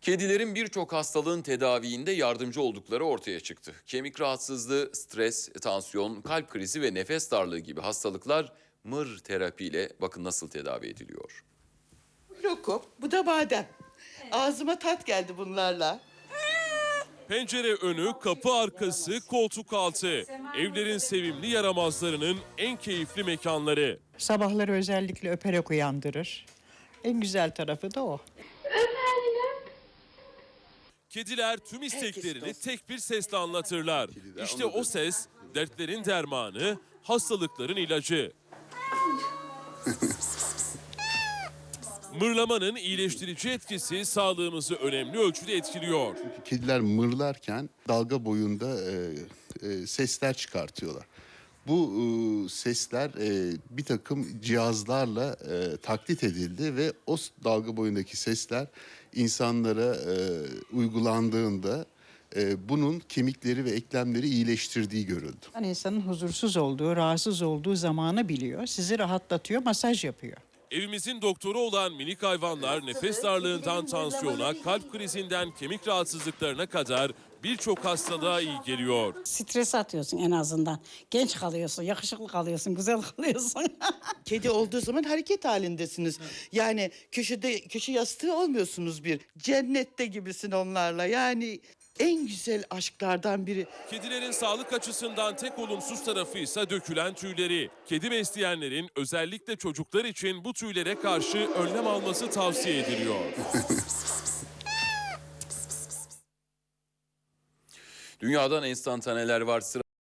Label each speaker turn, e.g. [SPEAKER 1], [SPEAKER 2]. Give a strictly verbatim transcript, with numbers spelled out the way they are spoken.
[SPEAKER 1] Kedilerin birçok hastalığın tedaviinde yardımcı oldukları ortaya çıktı. Kemik rahatsızlığı, stres, tansiyon, kalp krizi ve nefes darlığı gibi hastalıklar mır terapiyle bakın nasıl tedavi ediliyor.
[SPEAKER 2] Lokum, bu da badem. Ağzıma tat geldi bunlarla.
[SPEAKER 3] Pencere önü, kapı arkası, koltuk altı. Evlerin sevimli yaramazlarının en keyifli mekanları.
[SPEAKER 4] Sabahları özellikle öperek uyandırır. En güzel tarafı da o.
[SPEAKER 3] Kediler tüm isteklerini tek bir sesle anlatırlar. İşte o ses dertlerin dermanı, hastalıkların ilacı. Mırlamanın iyileştirici etkisi sağlığımızı önemli ölçüde etkiliyor.
[SPEAKER 5] Kediler mırlarken dalga boyunda e, e, sesler çıkartıyorlar. Bu e, sesler e, bir takım cihazlarla e, taklit edildi ve o dalga boyundaki sesler insanlara e, uygulandığında e, bunun kemikleri ve eklemleri iyileştirdiği görüldü.
[SPEAKER 4] Yani insanın huzursuz olduğu, rahatsız olduğu zamanı biliyor. Sizi rahatlatıyor, masaj yapıyor.
[SPEAKER 3] Evimizin doktoru olan minik hayvanlar nefes darlığından tansiyona, kalp krizinden kemik rahatsızlıklarına kadar birçok hastalığa iyi geliyor.
[SPEAKER 6] Stres atıyorsun en azından. Genç kalıyorsun, yakışıklı kalıyorsun, güzel kalıyorsun.
[SPEAKER 2] Kedi olduğu zaman hareket halindesiniz. Yani köşede köşe yastığı olmuyorsunuz bir. Cennette gibisin onlarla. Yani en güzel aşklardan biri.
[SPEAKER 3] Kedilerin sağlık açısından tek olumsuz tarafı ise dökülen tüyleri. Kedi besleyenlerin özellikle çocuklar için bu tüylere karşı önlem alması tavsiye ediliyor.
[SPEAKER 1] Dünyadan enstantaneler var. Sıra